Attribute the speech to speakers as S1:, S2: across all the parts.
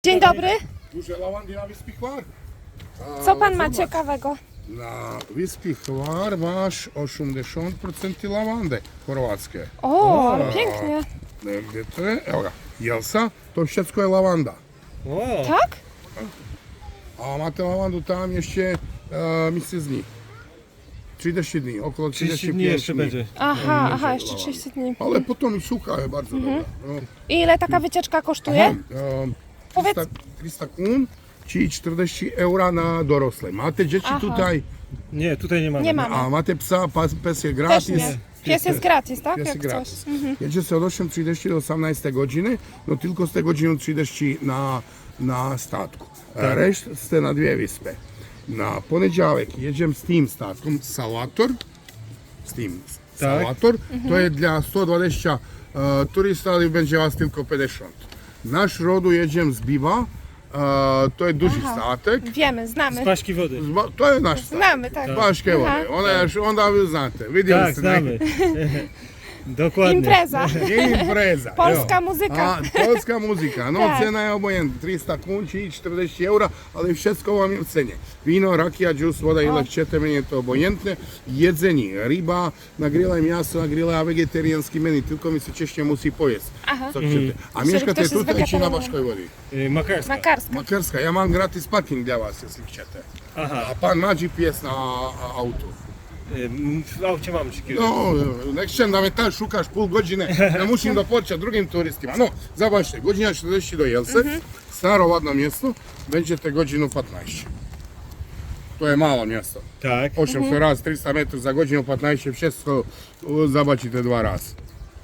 S1: Dzień dobry.
S2: Duże lawandy na Wyspie Hvar.
S1: Co pan ma ciekawego?
S2: Na Wyspie Hvar masz 80% lawandy chorwackie.
S1: O, ale pięknie.
S2: Gdje to je? Evo ga, Jelsa, to wszystko je lawanda.
S3: O,
S1: Tak?
S2: A máte lavandu tam jeszcze mjesec dni. 30 dni, około
S3: 30 dni jeszcze będzie.
S1: Aha, jeszcze 30 dni.
S2: Ale potom i sucha je bardzo dobra. No.
S1: I ile taka wycieczka kosztuje? Powiedz.
S2: 300 kun, či 40 eura na dorosle. Máte dzieci
S1: Aha.
S2: tutaj,
S3: Nie, tutaj nie mamy.
S1: Nie mamy.
S2: a máte psa, pies je
S1: Też
S2: gratis.
S1: nie. Pies jest gratis, tak?
S2: Pies
S1: Jak
S2: je
S1: coś.
S2: gratis. Jedzie se od 8.30 do 18 godziny, no tylko ste godinu 30 na statku. Rešt ste na dvije vyspe. Na poneđavek jeđem s tim statkom Salvator, Salvator, to je dla 120 turista, ali będzie vas tylko 50. Naš rodu jeđem z Biva, to je duži statek.
S1: Wiemy, znamy.
S3: Z paśki wody.
S2: To je naš statek.
S1: Znamy, tak.
S2: Baške vode. Onda vi znate, vidjeli
S3: Tak,
S2: ste.
S3: znamy. Dokładnie.
S1: Impreza.
S2: Impreza.
S1: Polska
S2: jo.
S1: muzyka.
S2: Polska muzika. No
S1: Tak.
S2: cena je obojętna. 300 kun, či 40 eura, ali všetko vam je v cene. Vino, rakija, džus, voda, ile chcete, meni je to obojętne. Jedzenie, ryba, na grilla miasto, na grilla vegetarijanski meni, tylko mi se češće musi pojesti. Co chcete. A mješkate
S1: ktoś jest
S2: tutaj či na
S1: wegetarianem.
S2: Baškoj vodi?
S3: Makarska.
S1: Makarska.
S2: Makarska, ja mam gratis parking dla vas, jeśli chcete.
S3: Aha.
S2: A pan ma GPS na autu.
S3: W aucie mam 3 kg.
S2: No, nek ćem da me tad šukaš pol godine, ne mušim da počet drugim turistima. No, zabačte, godina 40 do Jelse, staro ladno mjesto, będziecie godinu 15. To je malo mjesto.
S3: Tak.
S2: 800 raz, 300 metrów za godinu 15, wszystko zabačite 2 raz.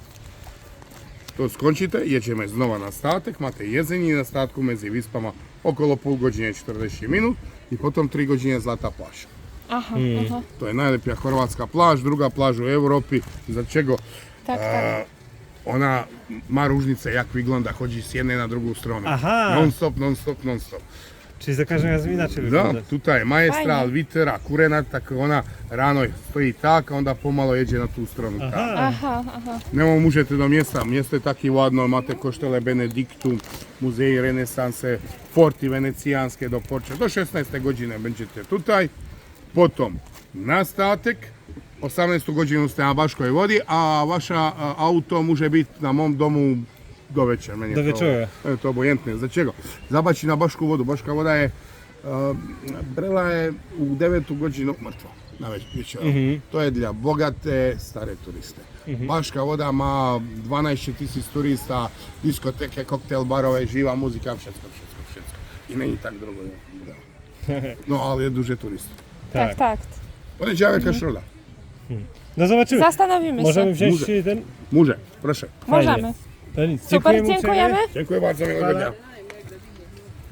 S2: To skončite, jedziemy znova na statek, máte jedzenie na statku medzi vyspama okolo pol godine 40 minut i potom 3 godine Zlata plaža.
S1: Aha, aha.
S2: To je najlepša hrvatska plaž, druga plaž u Europi, za čego
S1: Tak, tak.
S2: ona ma ružnice jak wygląda, chodzi s jedne na drugu stranu.
S3: Aha.
S2: Non stop, non stop, non stop.
S3: Czyli za każdym razem inaczej
S2: Da,
S3: wygląda.
S2: tutaj majestral,
S1: Fajne.
S2: vitera, kurenat, tako ona rano stoji tak, a onda pomalo jeđe na tu stranu. Tak.
S1: Aha, aha.
S2: Nemo možete do mjesta, mjesto je taki ladno, imate koštele Benediktum, muzeji renesanse, forti venecijanske do Porče. Do 16. godine będziete tutaj, potom na statek, 18. godinu ste na Baškoj vodi, a vaša auto može biti na mom domu do večer. Meni je
S3: Do večera.
S2: To je to obojentne. Za čego? Zabači na Bašku vodu. Baška voda je, Brela je u 9. godinu mrtva. Na večer. To je dla bogate, stare turiste. Baška voda ma 12.000 turista, diskoteke, koktel barove, živa muzika, všetko. I není tak drugo. No, ali je duže turista.
S1: Tak, tak.
S2: Poniedziałek środa.
S3: No zobaczymy.
S1: Zastanowimy
S3: Możemy
S1: się.
S3: wziąć ten...
S2: Może, proszę.
S1: Możemy.
S3: To nic.
S1: Super,
S3: Dziękujemy uprzejmie.
S1: dziękujemy.
S2: Dziękuję bardzo, miłego dnia.